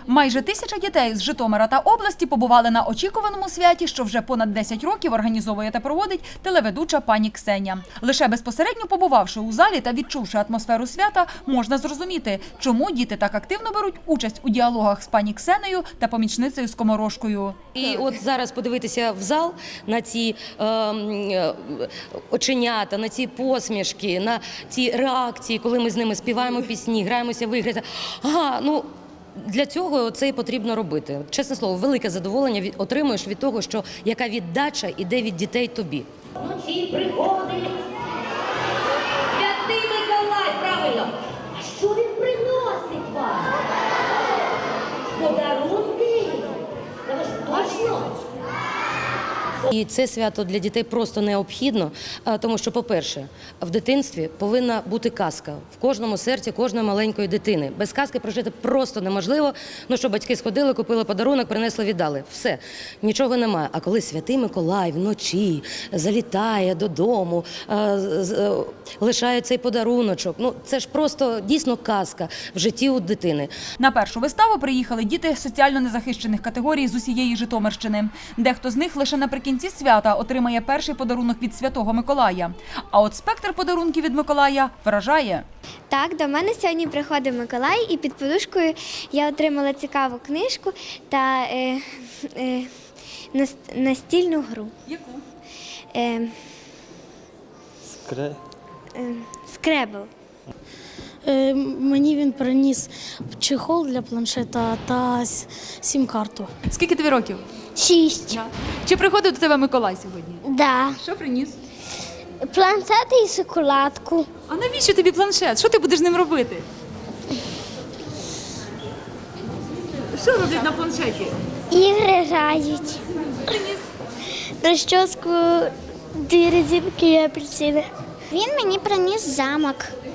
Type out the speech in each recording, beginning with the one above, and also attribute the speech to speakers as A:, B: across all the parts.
A: Майже 1000 дітей з Житомира та області побували на очікуваному святі, що вже понад 10 років організовує та проводить телеведуча пані Ксеня. Лише безпосередньо побувавши у залі та відчувши атмосферу свята, можна зрозуміти, чому діти так активно беруть участь у діалогах з пані Ксенею та помічницею Скоморошкою.
B: І от зараз подивитися в зал на ці оченята, на ці посмішки, на ці реакції, коли ми з ними співаємо пісні, граємося в ігри. Для цього це і потрібно робити. Чесне слово, велике задоволення отримуєш від того, що яка віддача іде від дітей тобі.
C: Вночі приходить Святий Миколай, правильно. А що він приносить вам? Подарунки? Та ви ж точно?
B: І це свято для дітей просто необхідно, тому що, по-перше, в дитинстві повинна бути казка в кожному серці кожної маленької дитини. Без казки прожити просто неможливо. Ну що, батьки сходили, купили подарунок, принесли, віддали. Все, нічого немає. А коли Святий Миколай вночі залітає додому, лишає цей подаруночок, ну це ж просто дійсно казка в житті у дитини.
A: На першу виставу приїхали діти соціально незахищених категорій з усієї Житомирщини. Дехто з них лише наприкінці свята отримає перший подарунок від Святого Миколая. А от спектр подарунків від Миколая вражає.
D: Так, до мене сьогодні приходив Миколай, і під подушкою я отримала цікаву книжку та настільну гру.
A: Яку?
D: Скребл.
E: Мені він приніс чехол для планшета та сім-карту.
A: Скільки тобі років?
D: 6.
A: Чи приходив до тебе Миколай сьогодні?
D: Да.
A: Що приніс?
D: Планшет і шоколадку.
A: А навіщо тобі планшет? Що ти будеш з ним робити? Що роблять на планшеті?
D: Ігри грають. Розчоску, 2 резинки і апельсини. Він мені приніс замок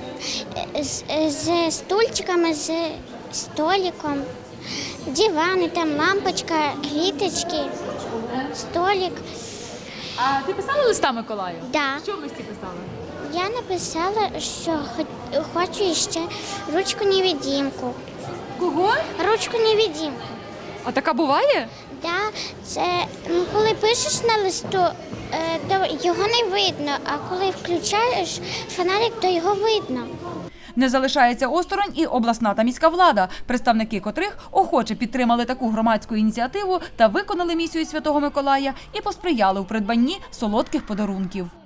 D: з стульчиками, з столиком, дивани, там лампочка, квіточки, столик.
A: А ти писала листа Миколаю?
D: Да.
A: Що в листі писала?
D: Я написала, що хочу ще ручку-невидимку.
A: Кого?
D: Ручку-невидимку.
A: А така буває?
D: Да, це коли пишеш на листу, то його не видно, а коли включаєш фонарик, то його видно.
A: Не залишається осторонь і обласна та міська влада, представники котрих охоче підтримали таку громадську ініціативу та виконали місію Святого Миколая і посприяли у придбанні солодких подарунків.